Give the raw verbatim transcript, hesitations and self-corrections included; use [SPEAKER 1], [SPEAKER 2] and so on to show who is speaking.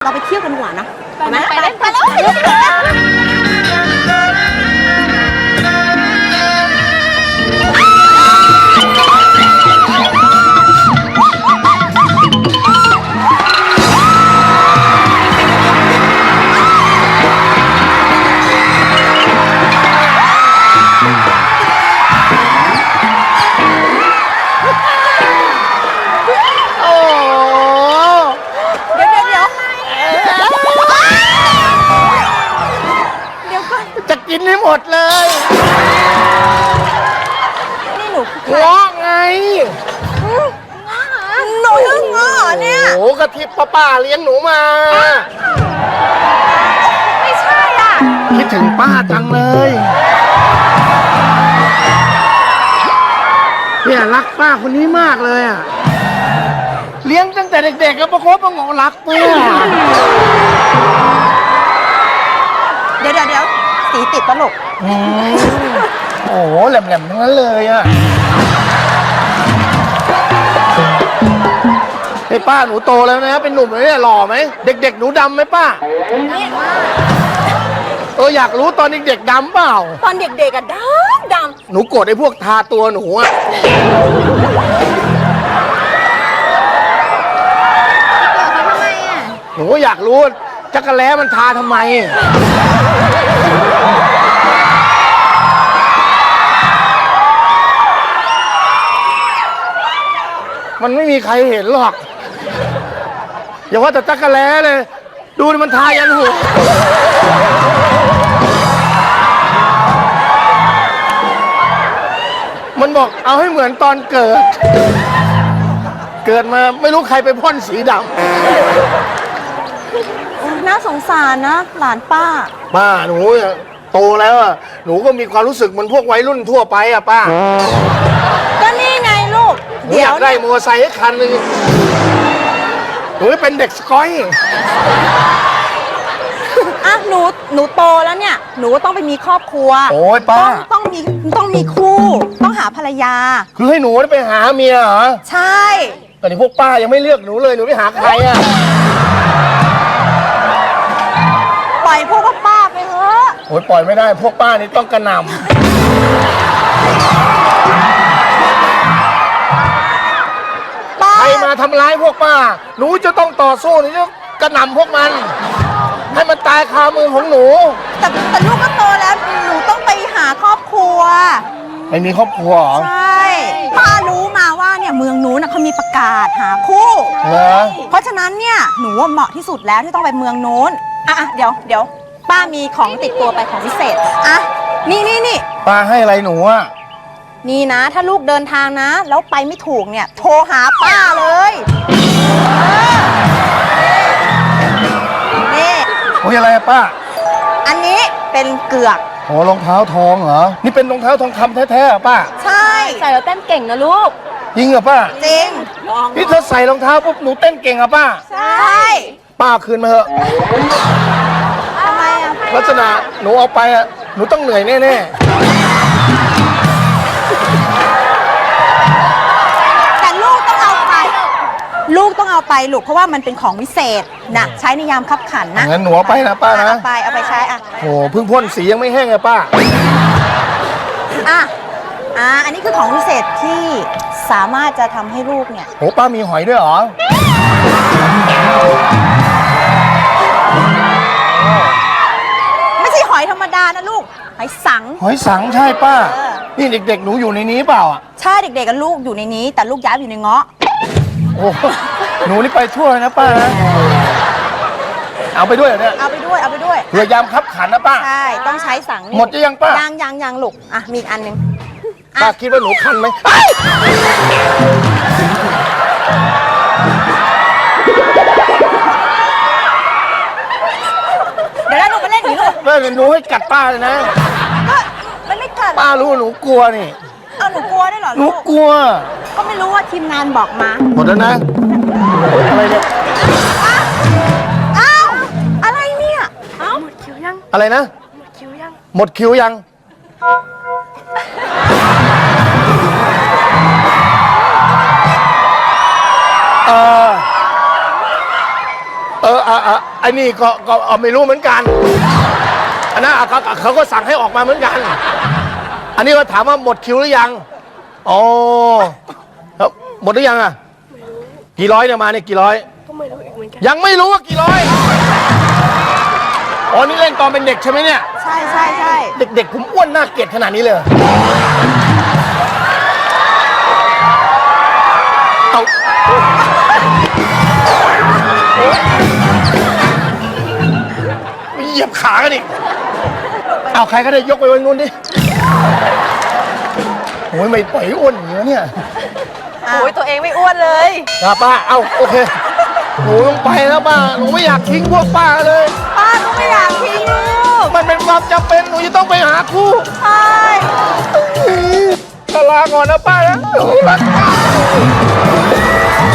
[SPEAKER 1] เราไปเที่ยวกันดีกว่านะไปไหมไปไปแล้ว
[SPEAKER 2] กินให้หมดเลย
[SPEAKER 1] นี่หนู
[SPEAKER 2] ง้อไง
[SPEAKER 1] หนูยังง้อเนี่ย
[SPEAKER 2] โอ้กะทิป้าป้าเลี้ยงหนูมา
[SPEAKER 1] ไม่ใช่อ่ะ
[SPEAKER 2] คิดถึงป้าจังเลยเนี่ยรักป้าคนนี้มากเลยอ่ะเลี้ยงตั้งแต่เด็กๆแล้วประคบประงมรักป้า
[SPEAKER 1] เดี๋ยวเดี๋ยวเดี๋ยวสีติดตลก
[SPEAKER 2] โอ้โหแหลมๆทั้งนั้นเลยอ่ะไอ้ป้าหนูโตแล้วนะเป็นหนุ่มเลยเนี่ยหล่อไหมเด็กๆหนูดำไหมป้าเอออยากรู้ตอนเด็กๆดำเปล่า
[SPEAKER 1] ตอนเด็กๆอะดำดำ
[SPEAKER 2] หนูโกรธไอ้พวกทาตัวหนูอะ
[SPEAKER 1] ทำไมอะ
[SPEAKER 2] หนูอยากรู้จักรแล้มันทาทำไมมันไม่มีใครเห็นหรอกอย่าว่าแต่จักรแล้เลยดูดิมันทายันหัวมันบอกเอาให้เหมือนตอนเกิดเกิดมาไม่รู้ใครไปพ่นสีด
[SPEAKER 1] ำน่าสงสารนะหลานป้า
[SPEAKER 2] ป้าหนูโตแล้วอ่ะหนูก็มีความรู้สึกเหมือนพวกวัยรุ่นทั่วไปอ่ะป้า
[SPEAKER 1] ก็นี่ไงลูก
[SPEAKER 2] หนูอยากได้มอเตอร์ไซค์คันหนึ่งหนูเป็นเด็กสกอย
[SPEAKER 1] อ่ะหนูหนูโตแล้วเนี่ยหนูต้องไปมีครอบครัว
[SPEAKER 2] โอ้ยป้า
[SPEAKER 1] ต้องมีต้องมีคู่ต้องหาภรรยา
[SPEAKER 2] คือให้หนูไปหาเมียเหรอ
[SPEAKER 1] ใช่
[SPEAKER 2] แต่นี่พวกป้ายังไม่เลือกหนูเลยหนูไปหาใครอ่ะ
[SPEAKER 1] ปล่อยพวกป้าไปเถอะ
[SPEAKER 2] โอ้ยปล่อยไม่ได้พวกป้านี่ต้องกระหน่ำใครมาทำร้ายพวกป้าหนูจะต้องต่อสู้หนูจะกระหน่ำพวกมันให้มันตายคามือของหนู
[SPEAKER 1] แต่แต่ลูกก็โตแล้วหนูต้องไปหาครอบครัว
[SPEAKER 2] ไม่มีครอบครัวเหรอ
[SPEAKER 1] ใช่ป้ารู้มาว่าเนี่ยเมืองนู้นเขามีประกาศหาคู่
[SPEAKER 2] เหรอ
[SPEAKER 1] เพราะฉะนั้นเนี่ยหนูว่าเหมาะที่สุดแล้วที่ต้องไปเมืองนู้นอ่ะเดี๋ยวเดี๋ยวป้ามีของติดตัวไปของพิเศษอ่ะนี่นี่นี่
[SPEAKER 2] ป้าให้อะไรหนูอ่ะ
[SPEAKER 1] นี่นะถ้าลูกเดินทางนะแล้วไปไม่ถูกเนี่ยโทรหาป้าเลยนี่
[SPEAKER 2] โอ้ยอะไรอะป้า
[SPEAKER 1] อันนี้เป็นเกือก
[SPEAKER 2] โอ้รองเท้าทองเหรอนี่เป็นรองเท้าทองคำแท้ๆอะป้า
[SPEAKER 1] ใช่ใส่แล้วเต้นเก่งนะลูก
[SPEAKER 2] จริงเหรอป้า
[SPEAKER 1] จริง
[SPEAKER 2] นี่เธอใส่รองเท้าปุ๊บหนูเต้นเก่งอะป้า
[SPEAKER 1] ใช่
[SPEAKER 2] ป้าคืนมาเถอะ
[SPEAKER 1] ทำไมอะ
[SPEAKER 2] ลักษณะหนูเอาไปอะหนูต้องเหนื่อยแน่ๆ
[SPEAKER 1] แต่ลูกต้องเอาไปลูกต้องเอาไปลูกเพราะว่ามันเป็นของวิเศษนะใช้ในยามคับขันนะ
[SPEAKER 2] งั้นหนูเอาไปนะป้านะ
[SPEAKER 1] เอาไปเอาไปใช้อ่ะ
[SPEAKER 2] โอ้เพิ่งพ่นสียังไม่แห้งเลยป้า
[SPEAKER 1] อ่ะอ่ะอันนี้คือของวิเศษที่สามารถจะทำให้ลูกเนี่ย
[SPEAKER 2] โอ้ป้ามีหอยด้วยเหรอ
[SPEAKER 1] ไม่ใช่หอยธรรมดานะลูกหอยสัง
[SPEAKER 2] หอยสังใช่ป้านี่เด็กๆหนูอยู่ในนี้เปล่าอ่ะ
[SPEAKER 1] ใช่เด็กๆกับลูกอยู่ในนี้แต่ลูกย้ายอยู่ในเงาะ
[SPEAKER 2] โอ้หนูนี่ไปทั่วเลยนะป้านะเอาไปด้วยเหรอเนี่ย
[SPEAKER 1] เอาไปด้วยเอาไปด้วย
[SPEAKER 2] เพื่อยามคับขันนะป้า
[SPEAKER 1] ใช่ต้องใช้สัง
[SPEAKER 2] หมดจะยังป้า
[SPEAKER 1] ยังยังยังลูกอ่ะมีอีกอันหนึ่ง
[SPEAKER 2] ป้าคิดว่าหนูคันไหม
[SPEAKER 1] เดี๋ยวหนูไปเล่นหนูลูก
[SPEAKER 2] เล่นหนูให้กัดป้าเลยนะ
[SPEAKER 1] มันไม่กัด
[SPEAKER 2] ป้ารู้หนูกลัวนี่
[SPEAKER 1] เอาหนูกลัวได้เหรอ
[SPEAKER 2] หนูกลัว
[SPEAKER 1] ก็ไม่รู้ว่าทีมงานบอกมา
[SPEAKER 2] หมดแล้วนะอะไรเนี่ย
[SPEAKER 1] อ้าวอะไรเนี่ยอ้าวหมดคิวยัง
[SPEAKER 2] อะไรนะ
[SPEAKER 1] หมดคิวยัง
[SPEAKER 2] หมดคิวยังเออเออเออเออไอ้นี่ก็ก็เออไม่รู้เหมือนกันอันนั้นเขาเขาก็สั่งให้ออกมาเหมือนกัน อันนี้ก็ถามว่าหมดคิวหรือยังอ๋อแล้วหมดหรือยังอ่ะกี่ร้อยเนี่ยมาเนี่ยกี่ร้อยก็ไม่รู้อีกเหมือนกันยังไม่รู้ว่ากี่ร้อยอ๋อนี่เล่นตอนเป็นเด็กใช่ไหมเนี่ย
[SPEAKER 1] ใช่ใช่ใช่
[SPEAKER 2] เด็กๆผมอ้วนน่าเกลียดขนาดนี้เลยเอาเหยียบขากันอีกเอาใครก็ได้ยกไปไว้นู้นดิโอ้ยไม่ปล่อยอ้วนอย่างนี้เนี่ย
[SPEAKER 1] โอ้ยตัวเองไม่อ้วนเลย
[SPEAKER 2] ครับป้าเอาโอเคหนูต้องไปแล้วป้าหนูไม่อยากทิ้งพวกป้าเลย
[SPEAKER 1] ป้าก็ไม่อยากทิ้งลูก
[SPEAKER 2] มันเป็นความจำเป็นหนูจะต้องไปหาคู่
[SPEAKER 1] ใช่
[SPEAKER 2] ลาก่อนนะป้านะหนูรักป้า